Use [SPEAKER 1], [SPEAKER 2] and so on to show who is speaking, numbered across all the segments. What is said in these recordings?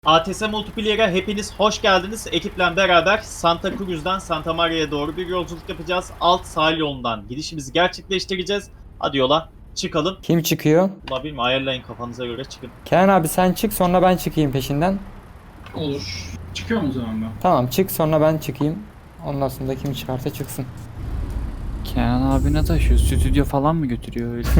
[SPEAKER 1] ATS Multiplayer'e hepiniz hoş geldiniz. Ekiple beraber Santa Cruz'dan Santa Maria'ya doğru bir yolculuk yapacağız. Alt sahil yolundan gidişimizi gerçekleştireceğiz. Hadi yola çıkalım.
[SPEAKER 2] Kim çıkıyor?
[SPEAKER 1] Ulan bilmiyorum, ayarlayın kafanıza göre çıkın.
[SPEAKER 2] Kenan abi sen çık sonra ben çıkayım peşinden.
[SPEAKER 3] Olur. Çıkıyor mu o zaman ben?
[SPEAKER 2] Tamam çık sonra ben çıkayım. Ondan sonra da kim çıkarsa çıksın.
[SPEAKER 4] Kenan abi ne taşıyor? Stüdyo falan mı götürüyor öyle?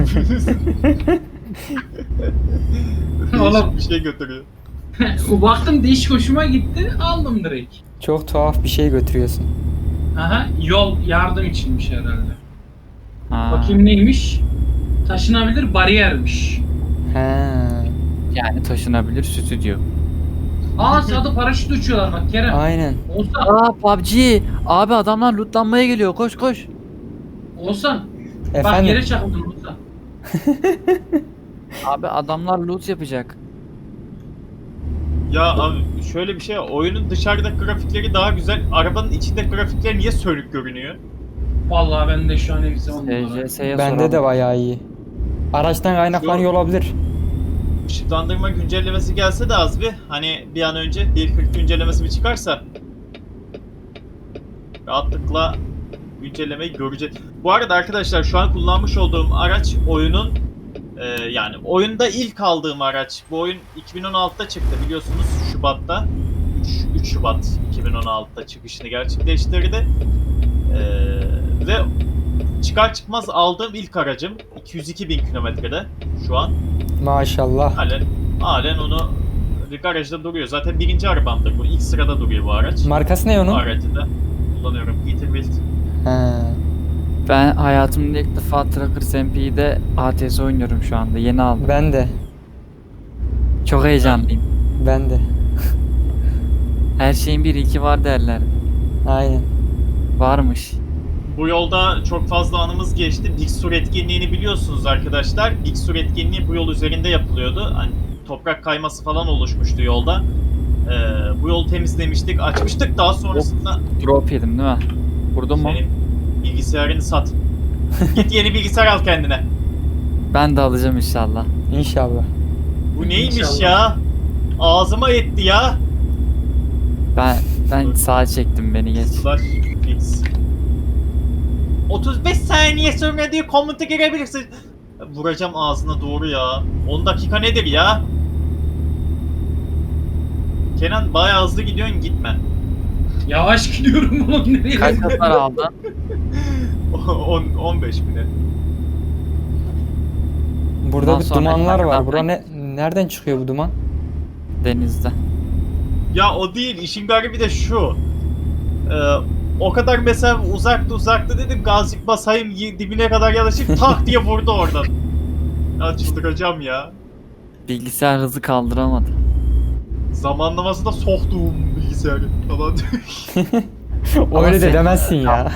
[SPEAKER 3] Oğlum.
[SPEAKER 1] Bir şey götürüyor.
[SPEAKER 3] Baktım değişik hoşuma gitti. Aldım direkt.
[SPEAKER 2] Çok tuhaf bir şey götürüyorsun.
[SPEAKER 3] Aha, yol yardım içinmiş herhalde.
[SPEAKER 4] Ha,
[SPEAKER 3] Bakayım neymiş? Taşınabilir bariyermiş.
[SPEAKER 2] He.
[SPEAKER 4] yani taşınabilir stüdyo.
[SPEAKER 3] Aa sağda paraşüt uçuyorlar bak Kerem.
[SPEAKER 2] Aynen.
[SPEAKER 3] Olsan.
[SPEAKER 4] PUBG! Abi adamlar lootlanmaya geliyor. Koş koş.
[SPEAKER 3] Olsan. Bak
[SPEAKER 2] Efendim.
[SPEAKER 3] yere çarptın Olsan.
[SPEAKER 4] Abi adamlar loot yapacak.
[SPEAKER 1] Ya abi şöyle bir şey, oyunun dışarıdaki grafikleri daha güzel. Arabanın içindeki grafikler niye sönük görünüyor?
[SPEAKER 3] Vallahi ben de şu an hepsi on numara.
[SPEAKER 4] SCS'ye
[SPEAKER 2] Bende de bayağı iyi. Araçtan kaynaklanıyor olabilir.
[SPEAKER 1] Işıklandırma güncellemesi gelse de az bir, hani bir an önce 1.40 güncellemesi bir çıkarsa rahatlıkla güncellemeyi göreceğiz. Bu arada arkadaşlar şu an kullanmış olduğum araç oyunun yani oyunda ilk aldığım araç. Bu oyun 2016'da çıktı biliyorsunuz, Şubat'ta. 3 Şubat 2016'da çıkışını gerçekleştirdi. Ve çıkar çıkmaz aldığım ilk aracım. 202.000 kilometrede şu an.
[SPEAKER 2] Maşallah.
[SPEAKER 1] Halen onu garajda duruyor. Zaten birinci arabamdır bu. İlk sırada duruyor bu araç.
[SPEAKER 2] Markası ne
[SPEAKER 1] Bu
[SPEAKER 2] onun?
[SPEAKER 1] aracı da kullanıyorum. Peterbilt.
[SPEAKER 2] He.
[SPEAKER 4] Ben hayatımda ilk defa Trackers MP'de ATS oynuyorum şu anda. Yeni aldım.
[SPEAKER 2] Ben de.
[SPEAKER 4] Çok heyecanlıyım.
[SPEAKER 2] Ben de.
[SPEAKER 4] Her şeyin bir iki var derler.
[SPEAKER 2] Aynen.
[SPEAKER 4] Varmış.
[SPEAKER 1] Bu yolda çok fazla anımız geçti. Big Sur etkinliğini biliyorsunuz arkadaşlar. Big Sur etkinliği bu yol üzerinde yapılıyordu. Hani toprak kayması falan oluşmuştu yolda. Bu yolu temizlemiştik, açmıştık. Daha sonrasında
[SPEAKER 4] Drop yedim değil mi? Vurdun mu?
[SPEAKER 1] senin bilgisayarını sat. Git yeni bilgisayar al kendine.
[SPEAKER 4] Ben de alacağım inşallah.
[SPEAKER 2] İnşallah.
[SPEAKER 1] Bu neymiş
[SPEAKER 3] İnşallah.
[SPEAKER 1] ya? Ağzıma yetti ya.
[SPEAKER 4] Ben sağa çektim, beni geç.
[SPEAKER 1] Slash fix. 35 saniye sonra diye komuta girebilirsin. Vuracağım ağzına doğru ya. 10 dakika nedir ya? Kenan bayağı hızlı gidiyorsun, gitme.
[SPEAKER 3] Yavaş gidiyorum oğlum nereye?
[SPEAKER 4] Kaç hasar aldın?
[SPEAKER 1] 15 bine.
[SPEAKER 2] Burada
[SPEAKER 4] Bundan
[SPEAKER 2] bir
[SPEAKER 4] sonra
[SPEAKER 2] dumanlar
[SPEAKER 4] ne
[SPEAKER 2] var.
[SPEAKER 4] kadar
[SPEAKER 2] Bura nereden çıkıyor bu duman?
[SPEAKER 4] Denizde.
[SPEAKER 1] Ya o değil, işin garibi de şu. O kadar mesela uzakta dedim, gazcık basayım dibine kadar yanaşıp tak diye vurdu oradan. Ya çıldıracağım ya.
[SPEAKER 4] Bilgisayar hızı kaldıramadı.
[SPEAKER 1] Zamanlaması da soktuğum bilgisayarı falan.
[SPEAKER 2] Öyle de
[SPEAKER 4] sen-
[SPEAKER 2] demezsin ya.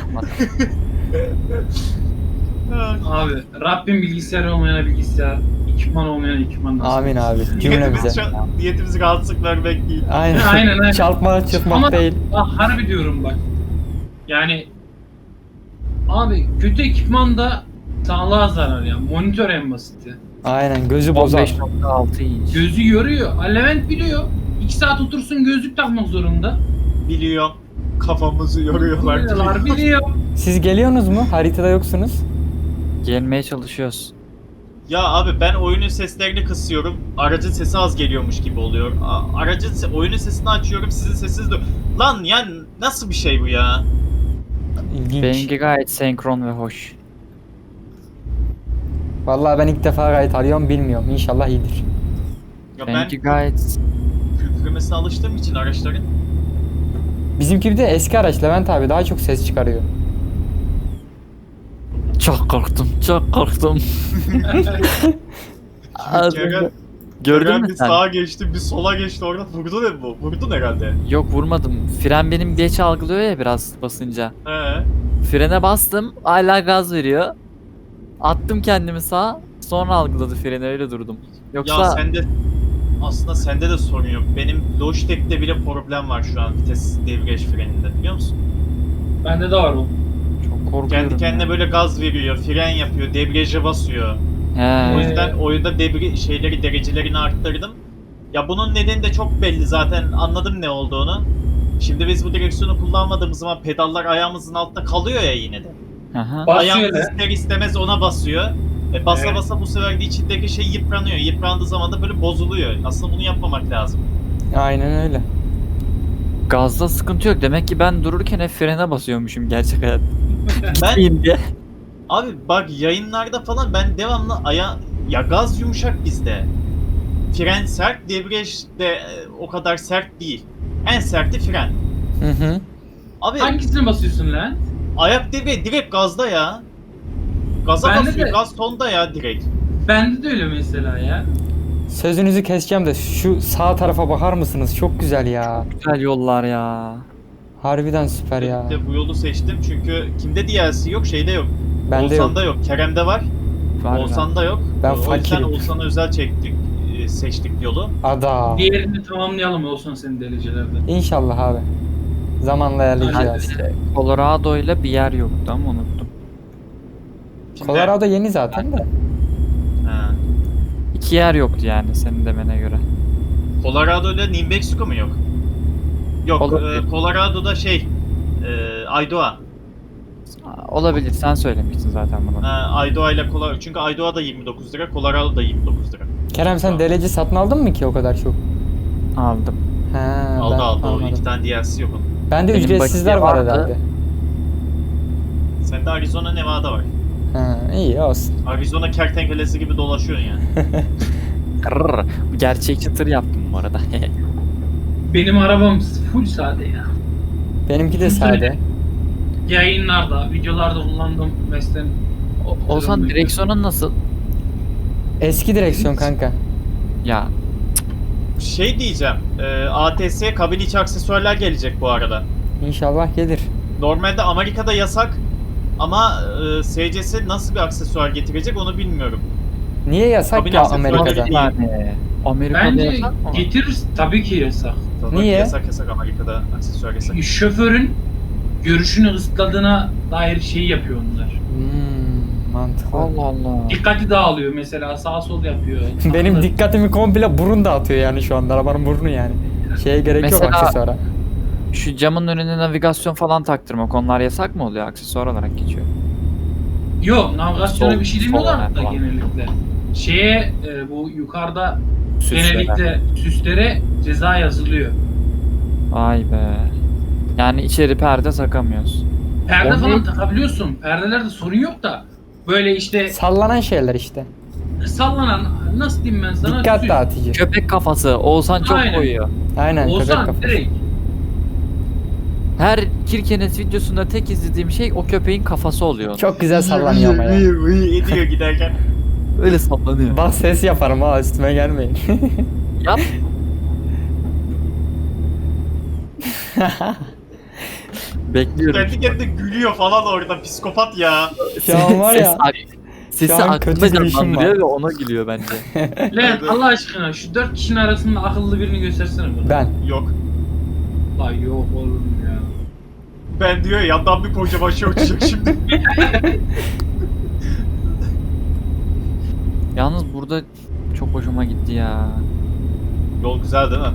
[SPEAKER 3] Abi Rabbim bilgisayar olmayana bilgisayar, ekipman olmayana ekipman nasip
[SPEAKER 2] Amin
[SPEAKER 3] etsin.
[SPEAKER 2] abi. Cümlemize.
[SPEAKER 1] Niyetimiz rahatsızlık vermek değil.
[SPEAKER 2] Aynen.
[SPEAKER 3] Aynen.
[SPEAKER 2] Çalmak çıkmak
[SPEAKER 3] Ama
[SPEAKER 2] değil.
[SPEAKER 3] bak harbi diyorum bak. Yani abi kötü ekipman da sağlığa zarar ya. Monitör en basiti.
[SPEAKER 2] Aynen gözü bozar.
[SPEAKER 4] 15.6 inç.
[SPEAKER 3] Gözü yoruyor. Levent biliyor. 2 saat otursun gözlük takmak zorunda.
[SPEAKER 1] Biliyorum. Kafamızı yoruyorlar.
[SPEAKER 3] Biliyorlar biliyor.
[SPEAKER 2] Siz geliyorsunuz mu? Haritada yoksunuz.
[SPEAKER 4] Gelmeye çalışıyoruz.
[SPEAKER 1] Ya abi ben oyunun seslerini kısıyorum. Aracın sesi az geliyormuş gibi oluyor. Oyunun sesini açıyorum, sizin sesiniz de... Lan ya nasıl bir şey bu ya?
[SPEAKER 2] İlginç.
[SPEAKER 4] Benimki gayet senkron ve hoş.
[SPEAKER 2] Vallahi ben ilk defa gayet arıyorum bilmiyorum. İnşallah iyidir.
[SPEAKER 1] Ya ben
[SPEAKER 4] Benimki gayet...
[SPEAKER 1] kükremesine alıştığım için araçların.
[SPEAKER 2] Bizimki bir de eski araç Levent abi daha çok ses çıkarıyor.
[SPEAKER 4] Çok korktum, çok korktum. Az önce-
[SPEAKER 1] Ceren,
[SPEAKER 4] Gördün
[SPEAKER 1] Ceren
[SPEAKER 4] mü
[SPEAKER 1] bir
[SPEAKER 4] sen?
[SPEAKER 1] sağa geçti, bir sola geçti oradan. Vurdu ne bu? Vurdun herhalde.
[SPEAKER 4] Yok vurmadım. Fren benim geç algılıyor ya biraz basınca.
[SPEAKER 1] He.
[SPEAKER 4] Frene bastım, hala gaz veriyor. Attım kendimi sağa, sonra algıladı freni, öyle durdum. Yoksa
[SPEAKER 1] Ya aslında sende de sorun yok. Benim Logitech'te bile problem var şu an vites debriyaj freninde, biliyor musun?
[SPEAKER 3] Bende de var o.
[SPEAKER 4] çok korkuyorum.
[SPEAKER 1] Kendi kendine
[SPEAKER 4] ya.
[SPEAKER 1] böyle gaz veriyor, fren yapıyor, debriyaja basıyor. O
[SPEAKER 4] He.
[SPEAKER 1] yüzden oyunda derecelerini arttırdım. Ya bunun nedeni de çok belli zaten, anladım ne olduğunu. Şimdi biz bu direksiyonu kullanmadığımız zaman pedallar ayağımızın altında kalıyor ya yine de.
[SPEAKER 4] Aha.
[SPEAKER 3] Basıyor
[SPEAKER 1] Ayağımız
[SPEAKER 3] da.
[SPEAKER 1] ister istemez ona basıyor. Basa
[SPEAKER 3] Evet.
[SPEAKER 1] basa bu sefer de içindeki şey yıpranıyor. Yıprandığı zaman da böyle bozuluyor. Aslında bunu yapmamak lazım.
[SPEAKER 2] Aynen öyle.
[SPEAKER 4] Gazda sıkıntı yok. Demek ki ben dururken hep frene basıyormuşum gerçek hayat.
[SPEAKER 1] Ben
[SPEAKER 4] Gitmeyin diye.
[SPEAKER 1] abi bak yayınlarda falan ben devamlı ya gaz yumuşak bizde. Fren sert, debriyaj de o kadar sert değil. En serti fren.
[SPEAKER 2] Hı hı.
[SPEAKER 1] Abi
[SPEAKER 3] Hangisine basıyorsun lan?
[SPEAKER 1] ayak devreye direkt gazda ya. Gaza
[SPEAKER 3] Bende
[SPEAKER 1] basıyor,
[SPEAKER 3] de.
[SPEAKER 1] gaz tonda ya direkt.
[SPEAKER 3] Bende de öyle mesela ya.
[SPEAKER 2] Sözünüzü keseceğim de şu sağ tarafa bakar mısınız? Çok güzel ya.
[SPEAKER 4] Güzel yollar ya.
[SPEAKER 2] Harbiden süper ya.
[SPEAKER 1] De bu yolu seçtim çünkü kimde DLC yok, şeyde yok.
[SPEAKER 2] Bende yok.
[SPEAKER 1] Oğuzhan'da yok, Kerem'de var.
[SPEAKER 4] Var
[SPEAKER 1] Oğuzhan'da yok.
[SPEAKER 2] Ben
[SPEAKER 1] O yüzden
[SPEAKER 2] fakirim.
[SPEAKER 1] Oğuzhan'a özel seçtik yolu.
[SPEAKER 2] Ada.
[SPEAKER 3] Diğerini tamamlayalım olsun senin derecelerde.
[SPEAKER 2] İnşallah abi. Zamanla ayarlayacağız.
[SPEAKER 4] Colorado ile bir yer yoktu ama unuttum.
[SPEAKER 1] Şimdi-
[SPEAKER 2] Colorado yeni zaten de.
[SPEAKER 1] Ha.
[SPEAKER 4] 2 yer yoktu yani senin demene göre.
[SPEAKER 1] Colorado'da New Mexico mu yok? Yok,
[SPEAKER 4] Olabilir.
[SPEAKER 1] Colorado'da Aydoğa.
[SPEAKER 4] Olabilir, sen söylemiştin zaten bunu.
[SPEAKER 1] Aydoğa ile Colorado. Çünkü Aydoğa da 29 lira, Colorado da 29 lira.
[SPEAKER 2] Kerem sen DLC satın aldın mı ki o kadar çok?
[SPEAKER 4] Aldım.
[SPEAKER 2] He,
[SPEAKER 1] Aldı
[SPEAKER 2] ben
[SPEAKER 1] aldı, o
[SPEAKER 2] almadım.
[SPEAKER 1] 2 tane DLC yok onun.
[SPEAKER 2] Bende
[SPEAKER 4] Benim
[SPEAKER 2] ücretsizler
[SPEAKER 4] bakiye
[SPEAKER 2] var
[SPEAKER 4] vardı.
[SPEAKER 2] herhalde.
[SPEAKER 1] Sende Arizona, Nevada var.
[SPEAKER 2] Ha, iyi olsun.
[SPEAKER 1] Arizona kertenkelesi gibi dolaşıyorsun yani.
[SPEAKER 4] Kırr. Gerçekçi tır yaptım bu arada.
[SPEAKER 3] Benim arabam full sade ya.
[SPEAKER 2] Benimki de
[SPEAKER 3] Şunu
[SPEAKER 2] sade.
[SPEAKER 3] söyle. Yayınlarda, videolarda kullandığım mesleğim.
[SPEAKER 4] Olsan direksiyonun nasıl?
[SPEAKER 2] Eski direksiyon kanka.
[SPEAKER 4] Ya
[SPEAKER 1] Şey diyeceğim, ATS kabin içi aksesuarlar gelecek bu arada.
[SPEAKER 2] İnşallah gelir.
[SPEAKER 1] Normalde Amerika'da yasak ama SCS nasıl bir aksesuar getirecek onu bilmiyorum.
[SPEAKER 2] Niye yasak
[SPEAKER 1] Kabin
[SPEAKER 2] ya
[SPEAKER 1] aksesuarı
[SPEAKER 2] Amerika'da?
[SPEAKER 1] değil.
[SPEAKER 4] yani Amerika'da
[SPEAKER 3] Bence
[SPEAKER 4] yasak mı?
[SPEAKER 3] getirir tabii ki yasak.
[SPEAKER 1] Tabii
[SPEAKER 2] Niye?
[SPEAKER 1] Yasak Amerika'da aksesuar yasak.
[SPEAKER 3] Şoförün görüşünü ısıtladığına dair şeyi yapıyor onlar.
[SPEAKER 2] Mantıklı.
[SPEAKER 4] Allah Allah.
[SPEAKER 3] Dikkati dağılıyor mesela, sağ sol yapıyor.
[SPEAKER 2] Benim
[SPEAKER 3] Anladın?
[SPEAKER 2] dikkatimi komple burun dağıtıyor yani şu anda. Arabanın burnu yani. Şeye gerek yok
[SPEAKER 4] Mesela-
[SPEAKER 2] aksesuara.
[SPEAKER 4] Şu camın önüne navigasyon falan taktırmak onlar yasak mı oluyor? Aksesuar olarak geçiyor.
[SPEAKER 3] Yok, navigasyona
[SPEAKER 4] Sol-
[SPEAKER 3] bir şey
[SPEAKER 4] sol
[SPEAKER 3] demiyorlar da
[SPEAKER 4] falan.
[SPEAKER 3] genellikle. Şeye bu yukarıda
[SPEAKER 4] Süslere.
[SPEAKER 3] genellikle süslere ceza yazılıyor.
[SPEAKER 4] Vay be. Yani içeri perde takamıyoruz.
[SPEAKER 3] Perde
[SPEAKER 4] O
[SPEAKER 3] falan
[SPEAKER 4] ne?
[SPEAKER 3] takabiliyorsun. Perdelerde sorun yok da böyle işte
[SPEAKER 2] Sallanan şeyler işte.
[SPEAKER 3] sallanan, nasıl diyeyim ben sana?
[SPEAKER 2] Dikkat
[SPEAKER 3] süs.
[SPEAKER 2] dağıtıcı.
[SPEAKER 4] Köpek kafası. Oğuzhan çok
[SPEAKER 3] Aynen.
[SPEAKER 4] koyuyor.
[SPEAKER 2] Aynen köpek
[SPEAKER 3] Olsan
[SPEAKER 2] kafası.
[SPEAKER 3] direkt.
[SPEAKER 4] Her Kirkenes videosunda tek izlediğim şey o köpeğin kafası oluyor.
[SPEAKER 2] Çok güzel sallanıyor ama ya.
[SPEAKER 1] Ediyor giderken.
[SPEAKER 4] Öyle sallanıyor.
[SPEAKER 2] Bak ses yaparım ha üstüme gelmeyin.
[SPEAKER 4] Yap. Bekliyorum.
[SPEAKER 1] Kendi kendine gülüyor falan orada, psikopat ya.
[SPEAKER 2] Şu an var ya.
[SPEAKER 4] Sesi
[SPEAKER 2] Şu an
[SPEAKER 4] aklında
[SPEAKER 2] kötü bir işim
[SPEAKER 4] canlandırıyor
[SPEAKER 2] var.
[SPEAKER 4] ve ona gülüyor bence.
[SPEAKER 3] Lan Allah aşkına şu 4 kişinin arasında akıllı birini göstersene bana.
[SPEAKER 2] Ben.
[SPEAKER 1] Yok.
[SPEAKER 3] Lan yok oğlum ya.
[SPEAKER 1] Ben diyor ya, yandan bir koca başı uçacak şimdi.
[SPEAKER 4] Yalnız burada çok hoşuma gitti ya.
[SPEAKER 1] Yol güzel değil mi?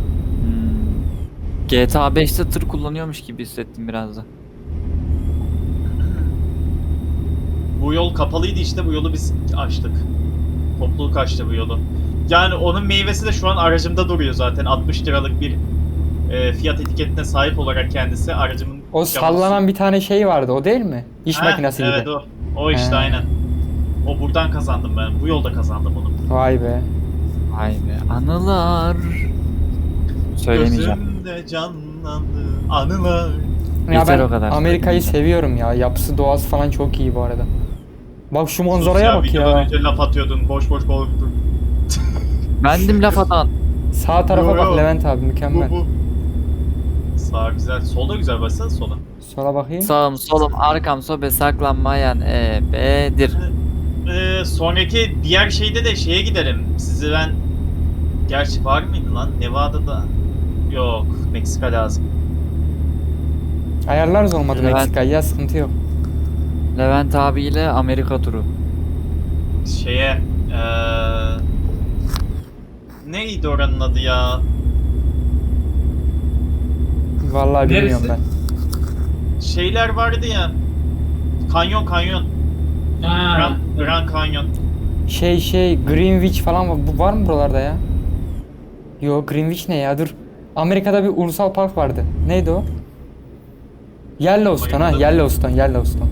[SPEAKER 4] GTA 5'te tır kullanıyormuş gibi hissettim biraz da.
[SPEAKER 1] Bu yol kapalıydı işte, bu yolu biz açtık. Topluluk açtı bu yolu. Yani onun meyvesi de şu an aracımda duruyor zaten. 60 liralık bir fiyat etiketine sahip olarak kendisi aracımın...
[SPEAKER 2] O sallanan bir tane şey vardı o değil mi? İş
[SPEAKER 1] Heh,
[SPEAKER 2] makinesi gibi.
[SPEAKER 1] Evet o. O işte
[SPEAKER 2] He.
[SPEAKER 1] aynen. O buradan kazandım ben. Bu yolda kazandım onu.
[SPEAKER 2] Vay be.
[SPEAKER 4] Vay be. Anılar. Söylemeyeceğim.
[SPEAKER 1] Gözümde canlandı anılar.
[SPEAKER 2] Ya
[SPEAKER 4] Yeter
[SPEAKER 2] ben
[SPEAKER 4] o kadar.
[SPEAKER 2] Amerika'yı seviyorum ya. Yapısı doğası falan çok iyi bu arada. Bak şu manzaraya bak
[SPEAKER 1] Videodan
[SPEAKER 2] ya.
[SPEAKER 1] önce laf atıyordun. Boş boş konuştun.
[SPEAKER 4] Bendim laf atan.
[SPEAKER 2] Sağ tarafa
[SPEAKER 1] Yo,
[SPEAKER 2] bak
[SPEAKER 1] yo.
[SPEAKER 2] Levent abi mükemmel.
[SPEAKER 1] Bu. Sağ güzel. Solda güzel. Baksana sola.
[SPEAKER 2] Sola bakayım.
[SPEAKER 4] Sağım solum arkam sobe saklanmayan ebedir.
[SPEAKER 1] Sonraki diğer şeyde de şeye giderim. Sizi ben... Gerçi var mıydı lan? Nevada'da... Yok. Meksika lazım.
[SPEAKER 2] Ayarlarız olmadı
[SPEAKER 4] Levent.
[SPEAKER 2] Meksika'yı ya sıkıntı yok.
[SPEAKER 4] Levent abiyle Amerika turu.
[SPEAKER 1] Şeye... Neydi oranın adı ya?
[SPEAKER 2] Vallahi bilmiyorum
[SPEAKER 3] Neresi?
[SPEAKER 2] ben.
[SPEAKER 1] Şeyler vardı ya. Kanyon.
[SPEAKER 3] Ha.
[SPEAKER 1] Grand Canyon.
[SPEAKER 2] Greenwich falan var. Bu var mı buralarda ya? Yo, Greenwich ne ya? Dur. Amerika'da bir ulusal park vardı. Neydi o? Yellowstone ha,
[SPEAKER 1] Amerika'da-
[SPEAKER 2] Yellowstone.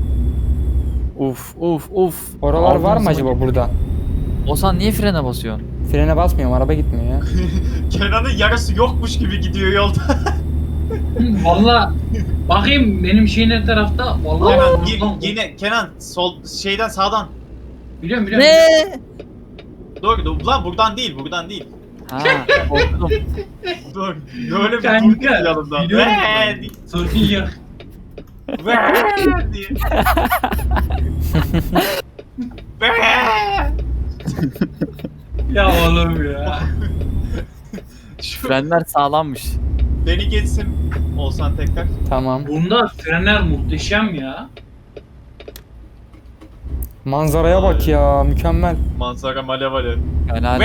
[SPEAKER 4] Uf.
[SPEAKER 2] Oralar
[SPEAKER 4] Aldığım
[SPEAKER 2] var mı
[SPEAKER 4] zaman
[SPEAKER 2] acaba
[SPEAKER 4] gidiyor.
[SPEAKER 2] burada?
[SPEAKER 4] Ozan niye frene basıyorsun?
[SPEAKER 2] Frene basmıyorum, araba gitmiyor ya.
[SPEAKER 1] Kenan'ın yarısı yokmuş gibi gidiyor yolda.
[SPEAKER 3] Valla bakayım benim şeyin ne tarafta. Vallahi
[SPEAKER 1] Kenan
[SPEAKER 3] oradan-
[SPEAKER 1] yine Kenan sol şeyden sağdan.
[SPEAKER 3] Biliyorum.
[SPEAKER 4] Ne?
[SPEAKER 1] Dur lan buradan değil.
[SPEAKER 4] Ha, korktum.
[SPEAKER 1] Dur. Böyle bir
[SPEAKER 3] Kanka,
[SPEAKER 1] dur yanımda.
[SPEAKER 3] biliyorum
[SPEAKER 1] Ve
[SPEAKER 3] ben.
[SPEAKER 1] diye.
[SPEAKER 3] Sorun yok.
[SPEAKER 1] Ve diye. Ve.
[SPEAKER 3] Ya oğlum ya.
[SPEAKER 1] Şu
[SPEAKER 4] Frenler sağlammış.
[SPEAKER 1] beni geçsin olsan tekrar.
[SPEAKER 2] Tamam.
[SPEAKER 3] Bunda frenler muhteşem ya.
[SPEAKER 2] Manzaraya bak ya, mükemmel.
[SPEAKER 1] Manzara malev.
[SPEAKER 4] Ben hala...
[SPEAKER 1] Ve.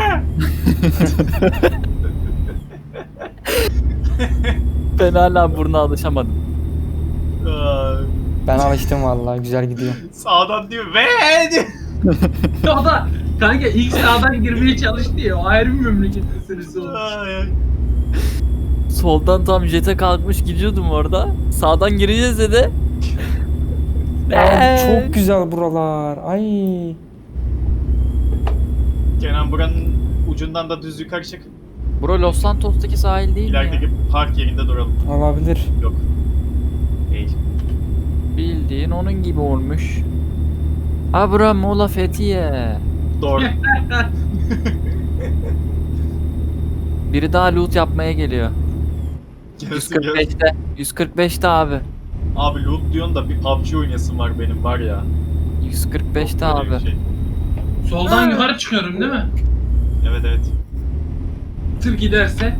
[SPEAKER 4] Ben hala buruna alışamadım.
[SPEAKER 1] Aa,
[SPEAKER 2] Ben alıştım vallahi, güzel gidiyor.
[SPEAKER 1] Sağdan diyor ve diyor.
[SPEAKER 3] O da kanka ilk sağdan girmeye çalıştı ya. O ayrı bir memleket meselesi olmuş.
[SPEAKER 1] Ay.
[SPEAKER 4] Soldan tam jete kalkmış gidiyordum orada. Sağdan gireceğiz dedi.
[SPEAKER 2] Abi çok güzel buralar. Ay.
[SPEAKER 1] Kenan buranın ucundan da düz yukarı çık.
[SPEAKER 4] Bura Los Santos'taki sahil değil mi ya?
[SPEAKER 1] İlerideki park yerinde duralım.
[SPEAKER 2] Olabilir.
[SPEAKER 1] Yok. Değil.
[SPEAKER 4] Bildiğin onun gibi olmuş. Ha bura Muğla Fethiye.
[SPEAKER 1] Doğru.
[SPEAKER 4] Biri daha loot yapmaya geliyor.
[SPEAKER 1] Gelsin, gelsin.
[SPEAKER 4] 145'te. 145'te abi.
[SPEAKER 1] Abi loot diyorsun da bir PUBG oynayasım var benim var ya.
[SPEAKER 4] 145'te
[SPEAKER 1] Yok böyle
[SPEAKER 4] abi.
[SPEAKER 1] bir şey.
[SPEAKER 3] Soldan yukarı çıkıyorum değil mi?
[SPEAKER 1] Evet.
[SPEAKER 3] Tır giderse.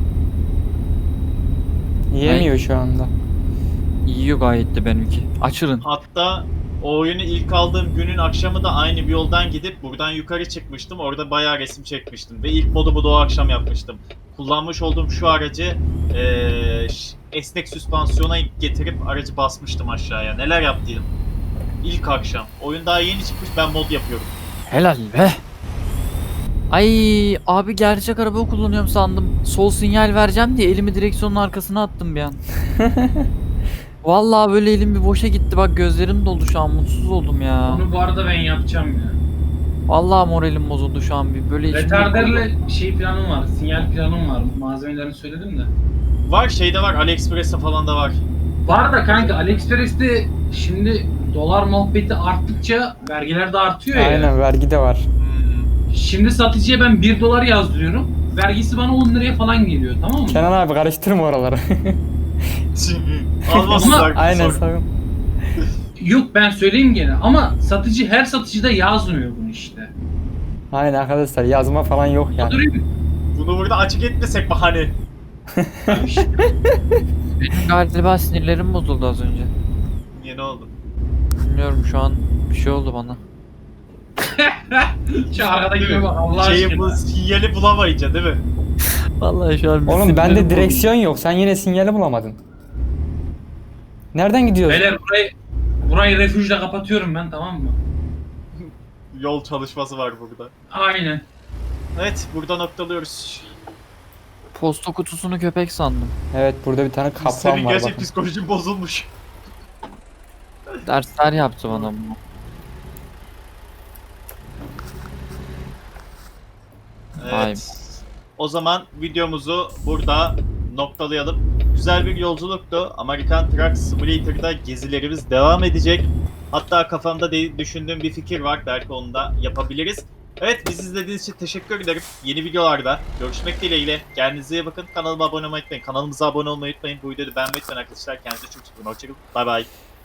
[SPEAKER 2] Yemiyor şu anda.
[SPEAKER 4] Yiyor gayet de benimki. Açılın.
[SPEAKER 1] Hatta o oyunu ilk aldığım günün akşamı da aynı bir yoldan gidip buradan yukarı çıkmıştım. Orada bayağı resim çekmiştim. Ve ilk modumu da o akşam yapmıştım. Kullanmış olduğum şu aracı esnek süspansiyona getirip aracı basmıştım aşağıya. Neler yaptıydım. İlk akşam. Oyun daha yeni çıkmış, ben mod yapıyorum.
[SPEAKER 4] Helal be. Ay abi gerçek araba kullanıyorum sandım. Sol sinyal vereceğim diye elimi direksiyonun arkasına attım bir an. Vallahi böyle elim bir boşa gitti, bak gözlerim doldu şu an, mutsuz oldum ya.
[SPEAKER 3] Onu bu arada ben yapacağım ya.
[SPEAKER 4] Vallahi moralim bozuldu şu an bir böyle içim
[SPEAKER 3] Retarderle şey planım var. Sinyal planım var. Malzemelerini söyledim de.
[SPEAKER 1] Var şeyde var, AliExpress'te falan da var.
[SPEAKER 3] Var da kanka AliExpress'te şimdi dolar muhabbeti arttıkça vergiler de artıyor ya.
[SPEAKER 2] Aynen, vergi de var.
[SPEAKER 3] Şimdi satıcıya ben 1 dolar yazdırıyorum. Vergisi bana 10 liraya falan geliyor, tamam mı?
[SPEAKER 2] Kenan abi karıştırma oraları.
[SPEAKER 1] Almasınlar.
[SPEAKER 2] Aynen,
[SPEAKER 1] sonra.
[SPEAKER 2] sakın.
[SPEAKER 3] Yok ben söyleyeyim gene ama satıcı her satıcıda yazmıyor bunu işte.
[SPEAKER 2] Aynen arkadaşlar, yazma falan yok yani.
[SPEAKER 3] Durayım.
[SPEAKER 1] Bunu burada açık etmesek bahane.
[SPEAKER 3] İşte.
[SPEAKER 4] Benim galiba sinirlerim bozuldu az önce.
[SPEAKER 1] Niye, ne oldu?
[SPEAKER 4] Bilmiyorum, şu an bir şey oldu bana.
[SPEAKER 3] Şu arkadakine bak Allah
[SPEAKER 1] Şeyi bu
[SPEAKER 3] aşkına.
[SPEAKER 1] sinyali bulamayınca değil mi?
[SPEAKER 4] Vallahi şu an bir
[SPEAKER 2] Oğlum
[SPEAKER 4] sinirlerim
[SPEAKER 2] bende
[SPEAKER 4] bozuldu.
[SPEAKER 2] direksiyon yok. Sen yine sinyali bulamadın. Nereden gidiyorsun?
[SPEAKER 3] Beyler burayı refüjle kapatıyorum ben, tamam mı?
[SPEAKER 1] Yol çalışması var burada.
[SPEAKER 3] Aynen.
[SPEAKER 1] Evet, burada noktalıyoruz.
[SPEAKER 4] Posta kutusunu köpek sandım.
[SPEAKER 2] Evet, burada bir tane kaplan
[SPEAKER 1] Senin
[SPEAKER 2] var
[SPEAKER 1] gerçek
[SPEAKER 2] bakın.
[SPEAKER 1] psikolojin bozulmuş.
[SPEAKER 4] Dersler yaptı bana bunu. Vay be.
[SPEAKER 1] Evet. O zaman videomuzu burada noktalayalım. Güzel bir yolculuktu. American Truck Simulator'da gezilerimiz devam edecek. Hatta kafamda düşündüğüm bir fikir var. Belki onu da yapabiliriz. Evet, bizi izlediğiniz için teşekkür ederim. Yeni videolarda görüşmek dileğiyle. Kendinize iyi bakın. Kanalıma abone olmayı unutmayın. Kanalımıza abone olmayı unutmayın. Bu videoyu beğenmeyi unutmayın arkadaşlar. Kendinize çok iyi bakın. Hoşçakalın. Bay bay.